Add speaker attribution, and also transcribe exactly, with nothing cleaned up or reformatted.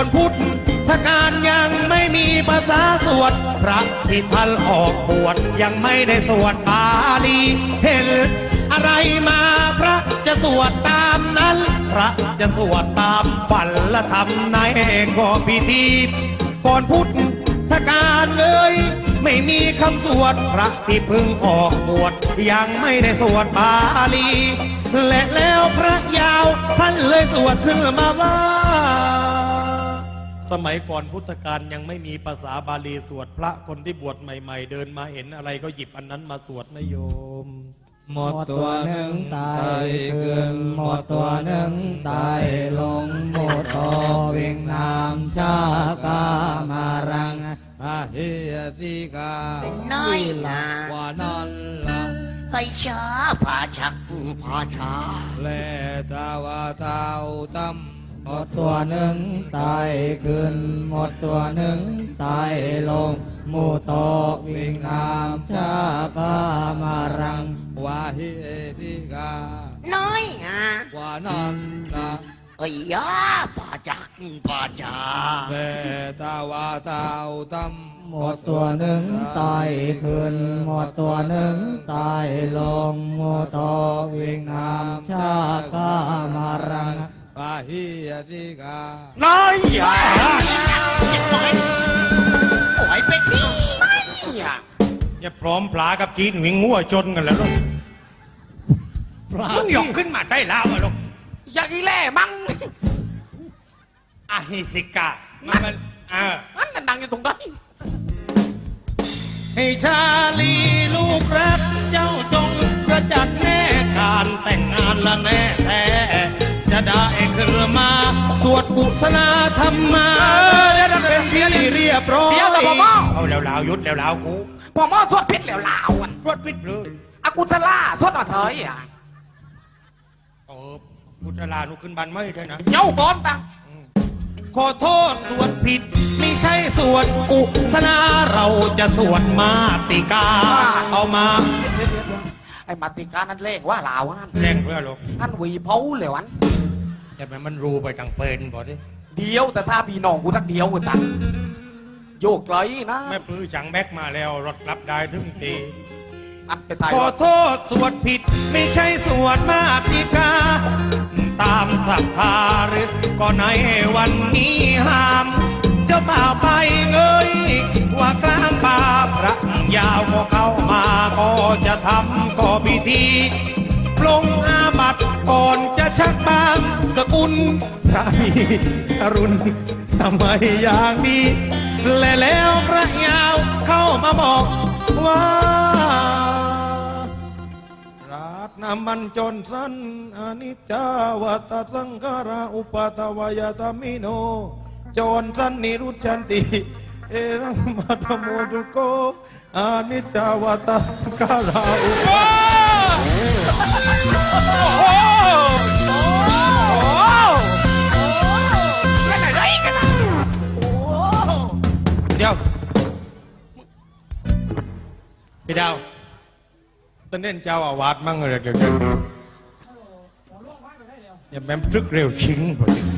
Speaker 1: อนพุทธกาลยังไม่มีภาษาสวดพระที่ท่านออกบวชยังไม่ได้สวดบาลีเห็นอะไรมาพระจะสวดตามนั้นพระจะสวดตามฝันและทำในก็พิธีก่อนพุทธกาลเอ่ยไม่มีคำสวดพระที่เพิ่งออกบวชยังไม่ได้สวดบาลีและแล้วพระยาวท่านเลยสวดขึ้นมาว่าสมัยก่อนพุทธกาลยังไม่มีภาษาบาลีสวดพระคนที่บวชใหม่ๆเดินมาเห็นอะไรก็หยิบอันนั้นมาสวดนะโยม
Speaker 2: หมดตัวหนึ่งตายขึ้นหมดตัวหนึ่งตายลงหมดต่อวิ่งน้ำชากามารังอาเฮียสิกา
Speaker 3: น้อยนะ
Speaker 2: ว่านั่นละ
Speaker 3: ไปช้าผาชักผาช้า
Speaker 2: แลตาวาเท้าตั้มหมดตัวหนึ่งตายขึ้นหมดตัวหนึ่งตายลงหมู่ตกวิ่งน้ำชากามารังวาเฮติกา
Speaker 3: น้อยอ่ะ
Speaker 2: ว่านั่นนะ
Speaker 3: ไอ้ยาผาจักผาช้า
Speaker 2: แม่ตาวาเท้าตั้มหมดตัวหนึ่งตายขึ้นหมดตัวหนึ่งตายลงหมู่ตกวิ่งน้ำชากามารังปาหิยติกา
Speaker 1: น้อยอย่า
Speaker 3: โอ้ยเป็นพี่ไม่อ่ะ
Speaker 1: อย่าพร้อมปลากับจีนวิ่งงัวจนกันแล้วลูกมึงหยอกขึ้นมาได้แล้วลูก
Speaker 3: อยากอีแล่มั้ง
Speaker 1: อาฮิสิกามันมันเออ
Speaker 3: มันดังอยู่ตรงนั้น
Speaker 1: ให้ชาลีลูกรักเจ้าจงกระจัดแน่การแต่งงานละแน่แท้จะได้ขึ้นมาสวดกุศลธรรมมาเป็นที่เรียบร้อย
Speaker 3: เดี๋ยวแต่พ่อม่อ
Speaker 1: เอาแล้วลาวยุดแล้วลาวกู
Speaker 3: พ่อม่อสวดพิษแล้วลาว
Speaker 1: สวดพิษเลย
Speaker 3: อากุศลาสวดมาเฉยอ่ะ
Speaker 1: เออกุศลานุขึ้นบันไม่ใช่นะ
Speaker 3: เย้าก้อนตัง
Speaker 1: ขอโทษสวดผิดไม่ใช่สวดกุศลาเราจะสวดมาติกาเอามา
Speaker 3: ไอ้มาติกานั่นเลขว่าลาวอัน
Speaker 1: เลขเพื่อลูก
Speaker 3: อันวีเผาเหลวอัน
Speaker 1: แต่แม่มันรู้ไปทางเป็นบอกดิ
Speaker 3: เดียวแต่ถ้าพี่น้องกูทักเดียวกูตังโยกไกลนะ
Speaker 1: แม่ปื้อจังแบกมาแล้วรถรับได้ถึงตี
Speaker 3: อันไปตาย
Speaker 1: ขอโทษสวดผิดไม่ใช่สวดมาติกาตามศรัทธาหรือก็ในวันนี้ห้ามเจ้าบ่าวไปเงยว่ากลางป่าพระยาวก็เข้ามาก็จะทำก็พิธีปลงอาบัติก่อนจะชักบางสกุลพระมีอรุณทำไมอย่างนี้และแล้วพระยาวเข้ามาบอกว่าราตนามันจนสันอนิจจาวัตสังขาราอุปาทวายตามิโนจนสันนิรุชันติเอรังมัตโมตุโกอนิจจาวัตสังขาราอุปาเดี๋ยวพี่ดาวตอนนี้เจ้าอาวาสมั่งเลยเดี๋ยวอย่าแม่มตรึกเร็วชิงพอดี